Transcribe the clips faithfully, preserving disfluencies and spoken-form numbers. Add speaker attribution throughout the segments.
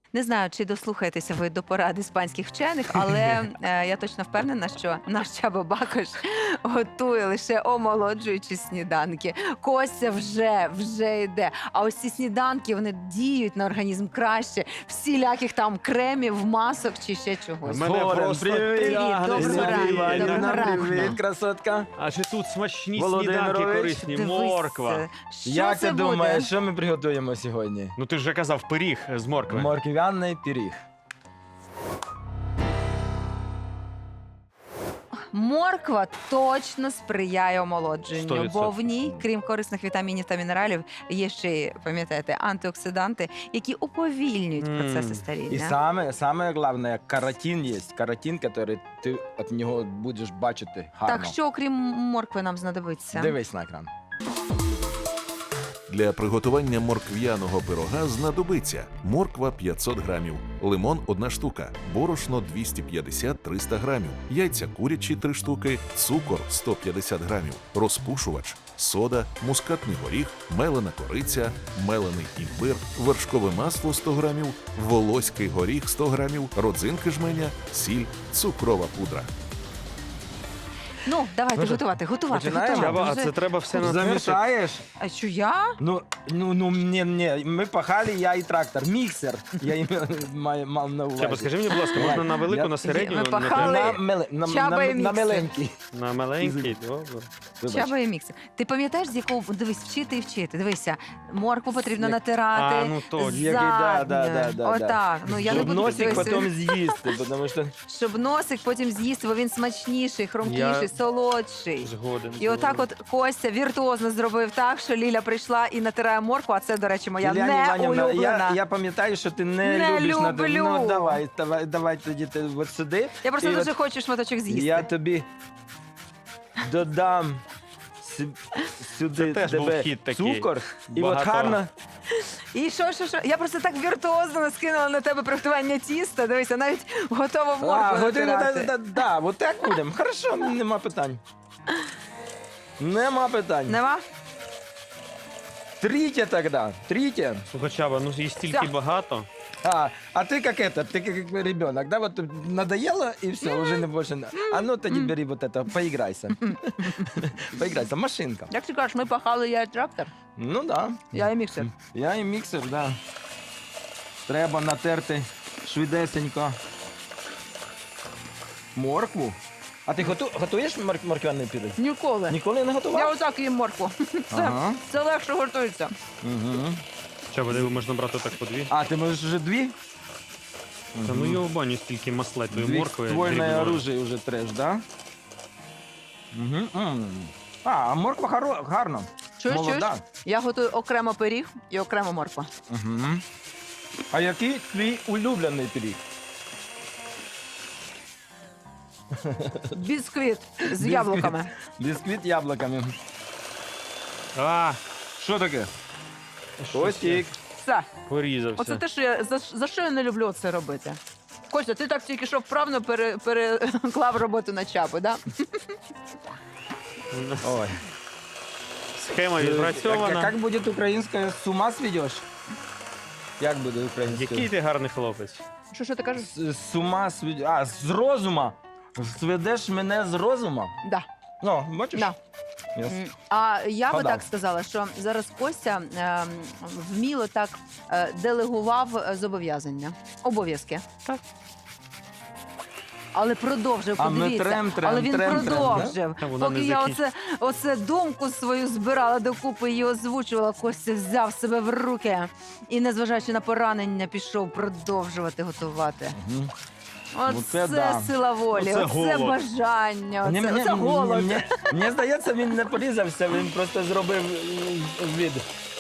Speaker 1: Не знаю, чи дослухаєтеся ви до порад іспанських вчених, але е, я точно впевнена, що наш Чабо Бакош готує лише омолоджуючі сніданки. Костя вже, вже йде. А ось ці сніданки, вони діють на організм краще. Всіляких там кремів, масок чи ще чогось.
Speaker 2: У мене
Speaker 3: Горем,
Speaker 2: просто
Speaker 3: привіт,
Speaker 1: доброго
Speaker 2: тягнеться
Speaker 1: ранку,
Speaker 2: від-
Speaker 1: доброго
Speaker 3: Іванівна,
Speaker 1: ранку.
Speaker 3: привіт, красотка.
Speaker 2: А ще тут смачні
Speaker 3: Володимирович,
Speaker 2: сніданки корисні,
Speaker 1: Дивись,
Speaker 2: морква.
Speaker 1: Що
Speaker 3: Як
Speaker 1: це
Speaker 3: ти
Speaker 1: буде?
Speaker 3: думаєш, що ми приготуємо сьогодні?
Speaker 2: Ну ти ж вже казав пиріг з моркви.
Speaker 3: Морквяний пиріг.
Speaker 1: Морква точно сприяє
Speaker 2: сто
Speaker 1: омолодженню,
Speaker 2: відсотків.
Speaker 1: бо в ній, крім корисних вітамінів та мінералів, є ще й, пам'ятаєте, антиоксиданти, які уповільнюють
Speaker 2: Мм.
Speaker 1: процеси
Speaker 3: І
Speaker 1: старіння.
Speaker 3: саме, саме головне, каротин є. Каротин, який ти від нього будеш бачити гарно.
Speaker 1: Так, що окрім моркви нам знадобиться?
Speaker 3: Дивись на екран.
Speaker 4: Для приготування моркв'яного пирога знадобиться морква п'ятсот грамів, лимон одна штука, борошно двісті п'ятдесят - триста грамів, яйця курячі три штуки, цукор сто п'ятдесят грамів, розпушувач, сода, мускатний горіх, мелена кориця, мелений імбир, вершкове масло сто грамів, волоський горіх сто грамів, родзинки жменя, сіль, цукрова пудра.
Speaker 1: Ну, давайте
Speaker 3: Може,
Speaker 1: готувати, готувати,
Speaker 3: починаємо?
Speaker 1: готувати.
Speaker 2: Чаба, а
Speaker 1: Вже-
Speaker 2: це треба все натерти?
Speaker 3: Замішаєш?
Speaker 1: А що я?
Speaker 3: Ну, ну, ну, ні, ні, ми пахали, я і трактор. Міксер, я їм маю- мав на увазі.
Speaker 2: Чаба, скажи мені, будь ласка, можна на велику,
Speaker 3: Я-
Speaker 2: на середню,
Speaker 1: Ми
Speaker 2: на,
Speaker 1: пахали.
Speaker 2: те-
Speaker 3: На, меле, на,
Speaker 1: Чаба
Speaker 3: на,
Speaker 1: і
Speaker 3: на
Speaker 1: міксер.
Speaker 3: маленький.
Speaker 2: на маленький? Добре.
Speaker 3: Вибач.
Speaker 1: Чаба і міксер. Ти пам'ятаєш, з якого дивись, вчити і вчити. Дивися, моркву потрібно
Speaker 3: Як-
Speaker 1: натирати.
Speaker 2: А, ну точно.
Speaker 3: Який, да, да, да, да,
Speaker 1: Отак. Ну я не
Speaker 3: Щоб
Speaker 1: буду
Speaker 3: носик
Speaker 1: дивися,
Speaker 3: потім з'їсти, тому що...
Speaker 1: щоб носик потім з'їсти, бо він смачніший, хрумкіший,
Speaker 2: Я-
Speaker 1: солодший.
Speaker 2: Згоден.
Speaker 1: І отак от Костя віртуозно зробив так, що Ліля прийшла і натирає моркву, а це, до речі, моя
Speaker 3: Ілля
Speaker 1: не
Speaker 3: Іванівна,
Speaker 1: улюблена.
Speaker 3: я, я пам'ятаю, що ти не,
Speaker 1: Не
Speaker 3: любиш на
Speaker 1: люблю.
Speaker 3: Ну, давай, давай, давай тоді ти от сюди.
Speaker 1: Я просто
Speaker 3: І
Speaker 1: дуже
Speaker 3: от
Speaker 1: хочу шматочок з'їсти.
Speaker 3: Я тобі додам сю- сюди
Speaker 2: Це теж був
Speaker 3: тебе
Speaker 2: хід такий.
Speaker 3: цукор. І от
Speaker 2: Багато.
Speaker 3: гарно...
Speaker 1: І що, що, що? Я просто так віртуозно скинула на тебе приготування тіста. Дивися, навіть готова моркву
Speaker 3: А, годину, да,
Speaker 1: натирати.
Speaker 3: да, да, от так будемо. Хорошо, нема питань. Нема питань.
Speaker 1: Нема?
Speaker 3: Трітє тоді, трітє.
Speaker 2: Слухай, Чаба, ну їх стільки
Speaker 1: Всё.
Speaker 2: багато.
Speaker 3: А, а ты как это, ты как ребенок, да, вот надоело и все, уже не больше. на- А ну тоді бери вот это, поиграйся. Поиграйся, машинка.
Speaker 1: Як ти кажеш, ми пахали, я трактор,
Speaker 3: Ну да,
Speaker 1: я і міксер.
Speaker 3: я і міксер, да. Треба натерти швидесенько моркву. А ти готу, готуєш мор- морквяний пиріг?
Speaker 1: Ніколи.
Speaker 3: Ніколи не готував?
Speaker 1: Я отак їм моркву. Це,
Speaker 3: Ага.
Speaker 1: це легше готується.
Speaker 3: Угу.
Speaker 2: Чаба, диви, можна брати так по дві.
Speaker 3: А, ти можеш вже дві?
Speaker 2: Та ну його баню стільки маслетої
Speaker 3: Дві
Speaker 2: моркви.
Speaker 3: ствольне
Speaker 2: дрібної.
Speaker 3: оружие вже треш, да? Угу. А, а морква хоро... гарно.
Speaker 1: Чуєш, чуєш?
Speaker 3: Молода.
Speaker 1: Я готую окремо пиріг і окремо морква.
Speaker 3: Угу. А який твій улюблений пиріг?
Speaker 1: Бісквіт з
Speaker 3: Бісквіт.
Speaker 1: яблуками.
Speaker 3: Бісквіт яблуками.
Speaker 2: А,
Speaker 3: Що таке?
Speaker 2: щось
Speaker 3: Костік.
Speaker 1: Все.
Speaker 2: порізався.
Speaker 1: Оце те, що я за, за що я не люблю це робити. Костя, ти так тільки що вправно пере, переклав роботу на чапу, да?
Speaker 3: Ой.
Speaker 2: Схема
Speaker 3: Як,
Speaker 2: відпрацьована.
Speaker 3: як буде українська, з ума сведеш? Як буде українська?
Speaker 2: Який ти гарний хлопець.
Speaker 1: Що, що ти кажеш?
Speaker 3: З, з ума сведеш. А, з розума. Сведеш мене з розума?
Speaker 1: Да.
Speaker 3: Ну, бачиш?
Speaker 1: Да.
Speaker 3: Yes.
Speaker 1: М, А я би
Speaker 3: Вгадав.
Speaker 1: так сказала, що зараз Костя ем, вміло так е, делегував е, зобов'язання, обов'язки.
Speaker 2: Так.
Speaker 1: Але продовжив,
Speaker 3: А ми
Speaker 1: подивіться.
Speaker 3: трем, трем,
Speaker 1: Але він
Speaker 3: трем, трем,
Speaker 1: продовжив.
Speaker 2: Та вона
Speaker 1: Поки
Speaker 2: не
Speaker 1: я
Speaker 2: закін-
Speaker 1: оце, оце думку свою збирала докупи і озвучувала, Костя взяв себе в руки і, незважаючи на поранення, пішов продовжувати готувати.
Speaker 3: Мгм.
Speaker 1: Оце
Speaker 3: Оце да.
Speaker 1: сила волі,
Speaker 2: Оце
Speaker 1: оце,
Speaker 2: голод.
Speaker 1: бажання, оце,
Speaker 3: Мені- мені-
Speaker 1: оце голод.
Speaker 3: мені- мені- Мені здається, він не порізався, він просто зробив е, від.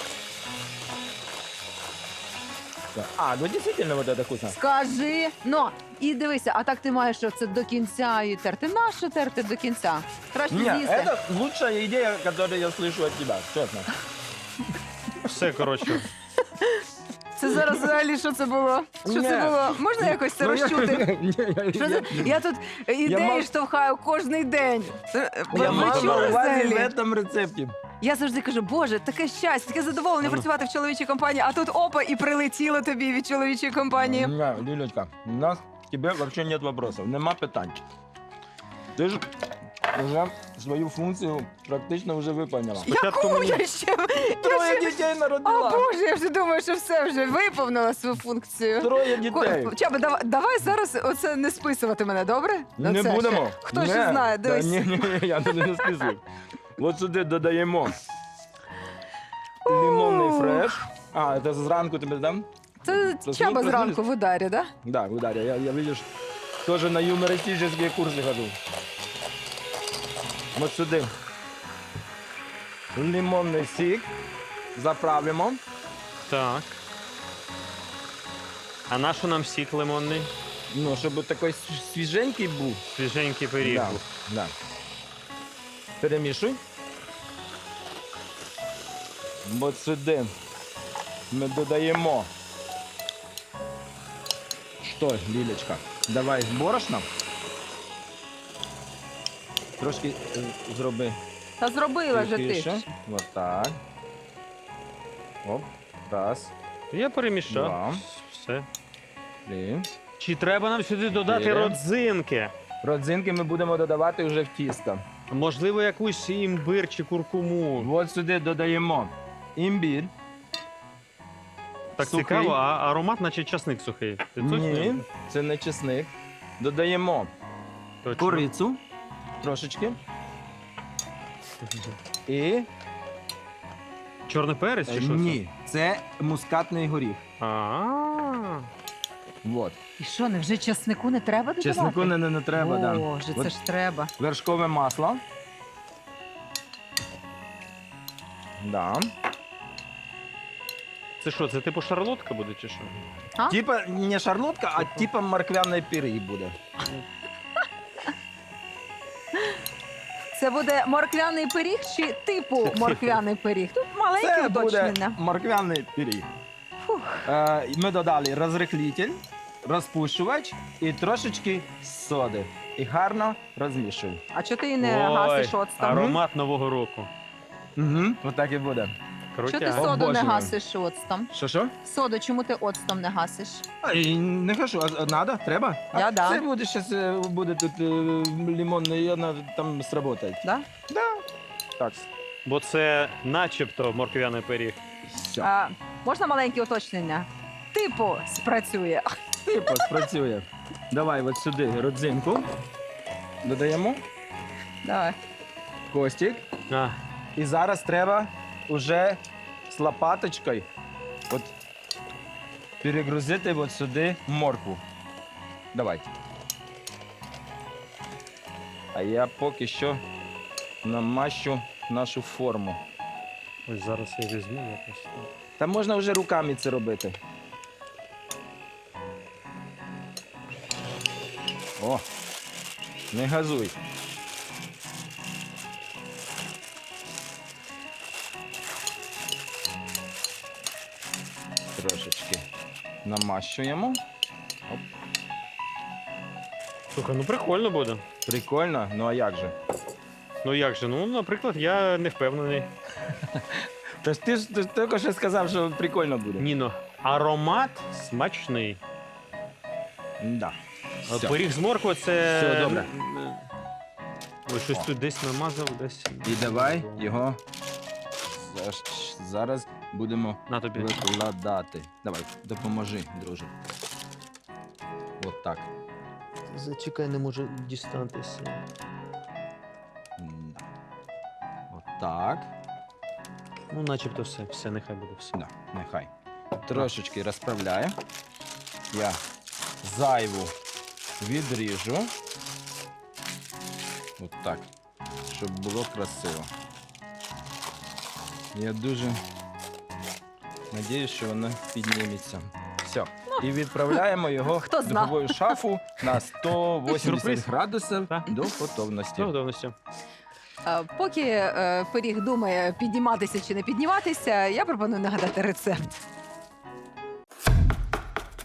Speaker 3: Так. А, ну дійсно вот это вкусно.
Speaker 1: Скажи, ну, і дивися, а так ти маєш що це до кінця і терти. Нащо терти до кінця? Краще
Speaker 3: Не,
Speaker 1: з'їсти.
Speaker 3: это лучшая идея, которую я слышу от тебя, честно.
Speaker 2: Все, коротше.
Speaker 1: Це зараз взагалі що це було? Що це
Speaker 3: Ні.
Speaker 1: було? Можна якось це
Speaker 3: Ну, я-
Speaker 1: розчути?
Speaker 3: Ні, я-
Speaker 1: Що
Speaker 3: я-
Speaker 1: це? Я тут ідеї
Speaker 3: мав-
Speaker 1: штовхаю кожний день. Е, Ви
Speaker 3: Я
Speaker 1: ви
Speaker 3: мав на
Speaker 1: чули
Speaker 3: увазі в
Speaker 1: взагалі?
Speaker 3: этом рецепті.
Speaker 1: Я завжди кажу, боже, таке щастя, таке задоволення
Speaker 2: Ану.
Speaker 1: працювати в чоловічій компанії, а тут опа, і прилетіло тобі від чоловічої компанії.
Speaker 3: Не, Лілечка, у нас к тебе вообще нет вопросов, нема питань. Ти ж вже свою функцію практично вже виконала.
Speaker 2: Спочатку
Speaker 1: Яку
Speaker 2: мені.
Speaker 1: я ще? Я
Speaker 3: Троє
Speaker 1: ще...
Speaker 3: дітей
Speaker 1: О,
Speaker 3: народила.
Speaker 1: Боже, я вже думаю, що все вже виповнила свою функцію.
Speaker 3: Троє дітей.
Speaker 1: Ко- Чаба, давай, давай зараз оце не списувати мене, добре? На
Speaker 3: Не
Speaker 1: це
Speaker 3: будемо.
Speaker 1: ще. Хто ще
Speaker 3: Не.
Speaker 1: знає,
Speaker 3: Та
Speaker 1: дивись.
Speaker 3: Ні, ні, ні, я туди не списую. От сюди додаємо лимонний фреш. А, це зранку тебе дам?
Speaker 1: Це
Speaker 3: Це
Speaker 1: Чаба
Speaker 3: звук
Speaker 1: зранку в ударі, да?
Speaker 3: Да, в ударе. Я, я видишь, тоже на юмористические курсы хожу. Вот сюди. Лимонний сік. Заправимо.
Speaker 2: Так. А на що нам сік лимонний?
Speaker 3: Ну, щоб такий свіженький був.
Speaker 2: Свіженький пиріг
Speaker 3: Да,
Speaker 2: був.
Speaker 3: да. Перемішуй. От сюди ми додаємо. Що, Лілечка? Давай з борошном. Трошки е, зроби
Speaker 1: Та зробила вже ти.
Speaker 3: тихіше. Вот так. Оп. Раз,
Speaker 2: Я перемішав.
Speaker 3: Два.
Speaker 2: Все.
Speaker 3: три.
Speaker 2: Чи треба нам сюди додати
Speaker 3: Чотири.
Speaker 2: родзинки?
Speaker 3: Родзинки ми будемо додавати вже в тісто.
Speaker 2: Можливо, якусь імбир чи куркуму.
Speaker 3: От сюди додаємо імбір.
Speaker 2: Так
Speaker 3: сухий.
Speaker 2: цікаво, а аромат, наче часник сухий. Ти точно?
Speaker 3: Ні, це не чесник. Додаємо
Speaker 2: Точно.
Speaker 3: курицю трошечки. І
Speaker 2: Чорний перець чи що?
Speaker 3: ні, це мускатний горіх.
Speaker 2: це? А.
Speaker 3: Вот.
Speaker 1: І що, не вже чеснику не треба додавати?
Speaker 3: Чеснику не, не, не треба, да.
Speaker 1: Боже,
Speaker 3: От
Speaker 1: це ж треба.
Speaker 3: вершкове масло. Да.
Speaker 2: Це що, це типу шарлотка буде чи що?
Speaker 1: А?
Speaker 3: Типа не шарлотка, а типа морквяний пиріг буде.
Speaker 1: Це буде морквяний пиріг чи типу морквяний пиріг? Тут маленьке
Speaker 3: Це буде
Speaker 1: уточнення.
Speaker 3: морквяний пиріг.
Speaker 1: Фух.
Speaker 3: Е, ми додали розрихлитель, розпушувач і трошечки соди. І гарно розмішуємо.
Speaker 1: А чого ти не
Speaker 2: Ой,
Speaker 1: гасиш оцтом?
Speaker 2: аромат Нового року.
Speaker 3: Угу. Отак і буде.
Speaker 1: Чого ти
Speaker 2: Крутяк.
Speaker 3: О,
Speaker 1: соду не
Speaker 3: Боже мой.
Speaker 1: гасиш оцтом?
Speaker 3: Що що?
Speaker 1: Соду, чому ти оцтом не гасиш?
Speaker 3: А, і не кажу, а, а надо? Треба?
Speaker 1: Я
Speaker 3: а,
Speaker 1: да.
Speaker 3: Це буде зараз буде тут е, лимонний, і вона там сработає.
Speaker 1: Да?
Speaker 3: Да. Так.
Speaker 2: Бо це начебто морквяний пиріг.
Speaker 3: Все.
Speaker 1: А, можна маленьке уточнення? Типу спрацює.
Speaker 3: Типу, спрацює. Давай от сюди родзинку. Додаємо
Speaker 1: Давай.
Speaker 3: костик.
Speaker 2: А,
Speaker 3: І зараз треба уже з лопаточкою от перегрузити от сюди моркву. Давайте. А я поки що намащу нашу форму.
Speaker 2: ось зараз я візьму якось.
Speaker 3: Та можна вже руками це робити. О, не газуй. Трошечки намащуємо.
Speaker 2: Слухай, ну прикольно буде.
Speaker 3: Прикольно, ну а як же?
Speaker 2: Ну як же? Ну, наприклад, я не впевнений.
Speaker 3: Та ж ти ж ти ж тільки що сказав, що прикольно буде.
Speaker 2: Ніно, аромат смачний.
Speaker 3: Да.
Speaker 2: А
Speaker 3: Все.
Speaker 2: Пиріг з моркви це.
Speaker 3: Все, добре.
Speaker 2: Ой, щось тут десь намазав, десь.
Speaker 3: І давай його за- зараз будемо
Speaker 2: На тобі.
Speaker 3: викладати. Давай, допоможи, друже. От так.
Speaker 2: Зачекай, не можу дістатися.
Speaker 3: М, От так.
Speaker 2: Ну, начебто все, все, нехай буде все.
Speaker 3: Да, нехай. Трошечки розправляю. Я зайву відріжу. От так. Щоб було красиво. Я дуже надіюсь, що воно підніметься. Все. І відправляємо його
Speaker 1: Хто
Speaker 3: в
Speaker 1: зна.
Speaker 3: духову шафу на сто вісімдесят
Speaker 2: Сюрприз.
Speaker 3: градусів
Speaker 2: Так.
Speaker 3: до готовності.
Speaker 2: З готовністю.
Speaker 1: А, Поки е, пиріг думає, підніматися чи не підніматися, я пропоную нагадати рецепт.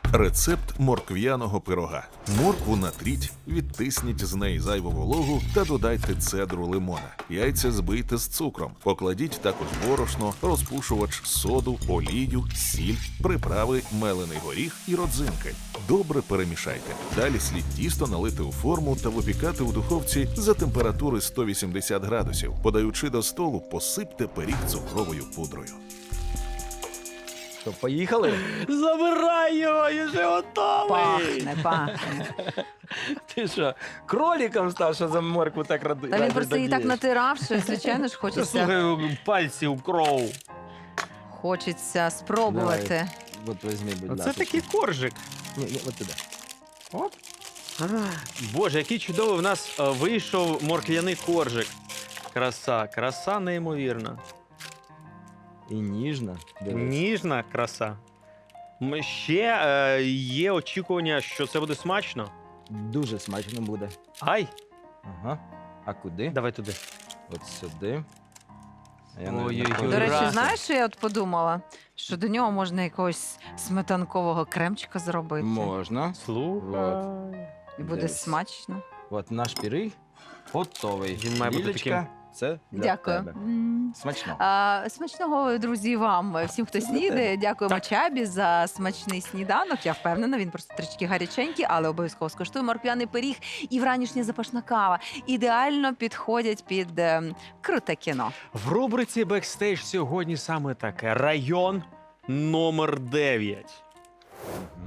Speaker 4: Рецепт моркв'яного пирога. Моркву натріть, відтисніть з неї зайву вологу та додайте цедру лимона. Яйця збийте з цукром. Покладіть також борошно, розпушувач, соду, олію, сіль, приправи, мелений горіх і родзинки. Добре перемішайте. Далі слід тісто налити у форму та випікати у духовці за температури сто вісімдесят градусів. Подаючи до столу, посипте пиріг цукровою пудрою.
Speaker 3: Що, поїхали?
Speaker 2: Забирай його, я вже готовий!
Speaker 1: Пахне, пахне.
Speaker 3: Ти що, кроликом став, що за моркву так ради?
Speaker 1: Та він просто її так
Speaker 3: радієш?
Speaker 1: натирав, що, звичайно ж, хочеться,
Speaker 2: Слухай, пальці у кров.
Speaker 1: хочеться спробувати.
Speaker 3: От візьми, будь
Speaker 2: Оце
Speaker 3: ласка.
Speaker 2: такий коржик.
Speaker 3: Ні, ні, от туди.
Speaker 2: Оп. Боже, який чудовий в нас е, вийшов морквяний коржик. Краса, краса неймовірна.
Speaker 3: І ніжно. Дивись.
Speaker 2: Ніжна краса. М, Ще е, є очікування, що це буде смачно.
Speaker 3: Дуже смачно буде.
Speaker 2: Ай,
Speaker 3: Ага. А куди?
Speaker 2: давай туди.
Speaker 3: От сюди. А я,
Speaker 2: Ой-ой-ой.
Speaker 3: напевно,
Speaker 1: До речі,
Speaker 2: Ура!
Speaker 1: знаєш, що я от подумала? Що до нього можна якогось сметанкового кремчика зробити.
Speaker 3: Можна.
Speaker 2: Слухай.
Speaker 1: І буде
Speaker 3: Дивись.
Speaker 1: смачно.
Speaker 3: От наш пиріг готовий.
Speaker 2: Він має бути
Speaker 3: Лілечка,
Speaker 2: таким-
Speaker 3: це для
Speaker 1: Дякую.
Speaker 3: тебе.
Speaker 1: М.
Speaker 3: Смачно.
Speaker 1: А, смачного, друзі, вам, всім, хто снідає. Дякуємо
Speaker 2: Так.
Speaker 1: Чабі за смачний сніданок. Я впевнена, він просто трішки гаряченький, але обов'язково скуштує морквяний пиріг і вранішня запашна кава. Ідеально підходять під ем, круте кіно.
Speaker 2: В рубриці «Бекстейдж» сьогодні саме таке. Район номер дев'ять.